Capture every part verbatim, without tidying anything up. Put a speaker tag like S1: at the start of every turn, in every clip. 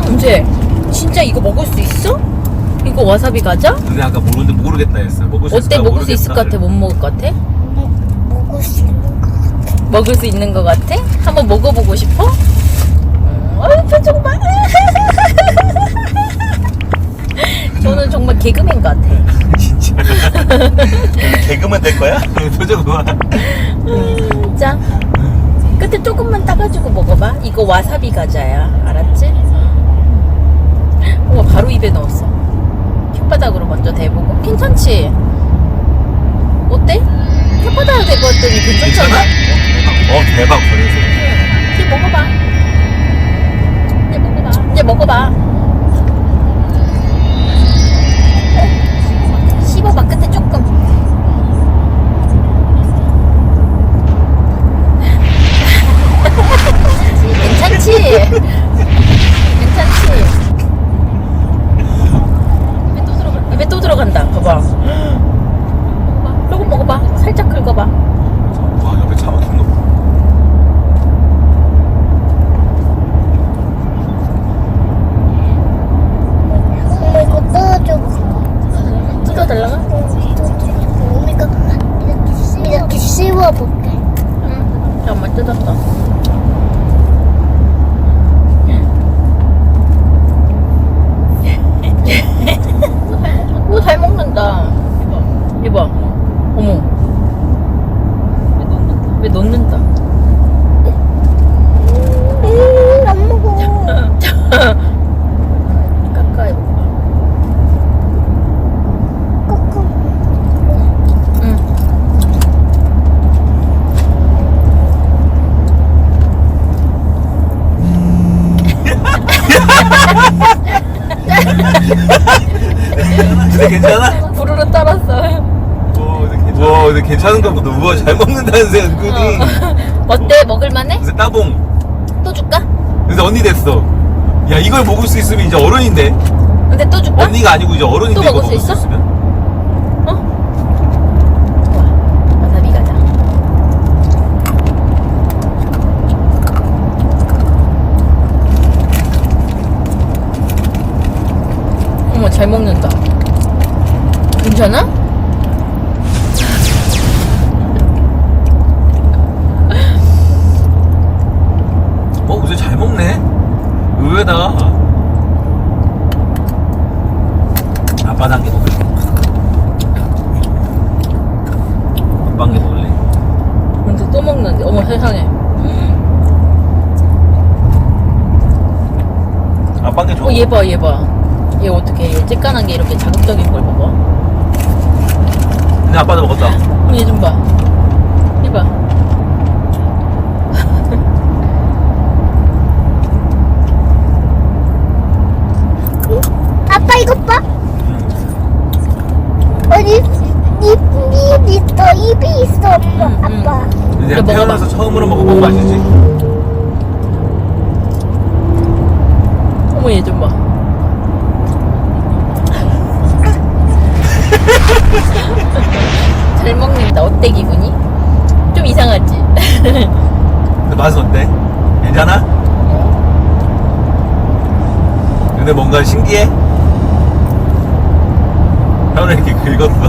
S1: 은재, 진짜 이거 먹을 수 있어? 이거 와사비 과자?
S2: 근데 아까 모르는데 모르겠다 했어. 먹을 수
S1: 어때?
S2: 있을까
S1: 먹을 수 있을 것 같아?
S2: 모르겠다.
S1: 못 먹을 것 같아?
S3: 먹을 수 있는 거 같아.
S1: 먹을 수 있는 것 같아? 한번 먹어보고 싶어? 음, 어이 표정 봐. 저는 정말 개그맨 같아.
S2: 진짜. 개그만 될 거야? 표정 봐.
S1: 음, 자, 끝에 조금만 따가지고 먹어봐. 이거 와사비 과자야. 알았지? 우와, 바로 입에 넣었어. 혓바닥으로 먼저 대보고. 괜찮지? 어때? 혓바닥으로 대봤더니 괜찮잖아?
S2: 어, 대박. 버려서.
S1: 이제 먹어봐. 이제 먹어봐. 이제 먹어봐. 씹어봐, 끝에 조금. 괜찮지? 괜찮지? 입에 또 들어가, 입에 또 들어간다. 봐봐. 먹어봐. 조금 먹어봐. 살짝 긁어봐.
S2: 와, 옆에 차 막힌 거 봐.
S3: 엄마 이거 뜯어줘.
S1: 뜯어달라고?
S3: 엄마가 이렇게, 이렇게 씹어볼게.
S1: 응. 잠깐만, 뜯었어. 오, 잘 먹는다. 이봐. 이봐. 어머. 왜 넣는다?
S3: 음, 안 먹어.
S1: 가까이 먹어.
S3: 꾹꾹.
S1: 응.
S2: 근데 괜찮아?
S1: 부르르 따랐어.
S2: 오, 근데 괜찮아. 와, 근데 괜찮은가 보다. 우와, 잘 먹는다는 새 은근히.
S1: 어때? 먹을만해?
S2: 그래서 따봉.
S1: 또 줄까?
S2: 그래서 언니 됐어. 야, 이걸 먹을 수 있으면 이제 어른인데.
S1: 근데 또 줄까?
S2: 언니가 아니고 이제 어른인데
S1: 또
S2: 이거
S1: 먹을 수
S2: 먹을 수
S1: 있어?
S2: 있으면?
S1: 어? 좋아. 와사비 가자. 어머, 잘 먹는다. 괜찮아?
S2: 어, 근데 잘 먹네. 의외다. 아빠 단계 먹을래. 아빠 단계 먹을래.
S1: 근데 또 먹는데. 어머, 세상에.
S2: 아빠 단계 줘.
S1: 어, 얘 봐, 얘 봐. 얘 어떻게, 얘 쬐깐한 게 이렇게 자극적인 걸 먹어?
S2: 근데 아빠도 먹었다.
S1: 어, 얘 좀 봐. 얘 봐.
S3: 아빠 이것 봐. 어디 입이 있어. 입이 있어. 아빠.
S1: 음, 음.
S3: 아빠.
S2: 이제
S1: 이거 먹어봐.
S2: 태어나서 처음으로 먹어본 맛이지.
S1: 어머, 얘 좀 봐. 잘 먹는다. 어때, 기분이? 좀 이상하지?
S2: 근데 맛은 어때? 괜찮아? 근데 뭔가 신기해? 혀를 이렇게 긁었어.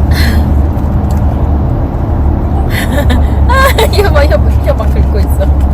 S1: 아, 이거 봐, 혀, 혀막 긁고 있어.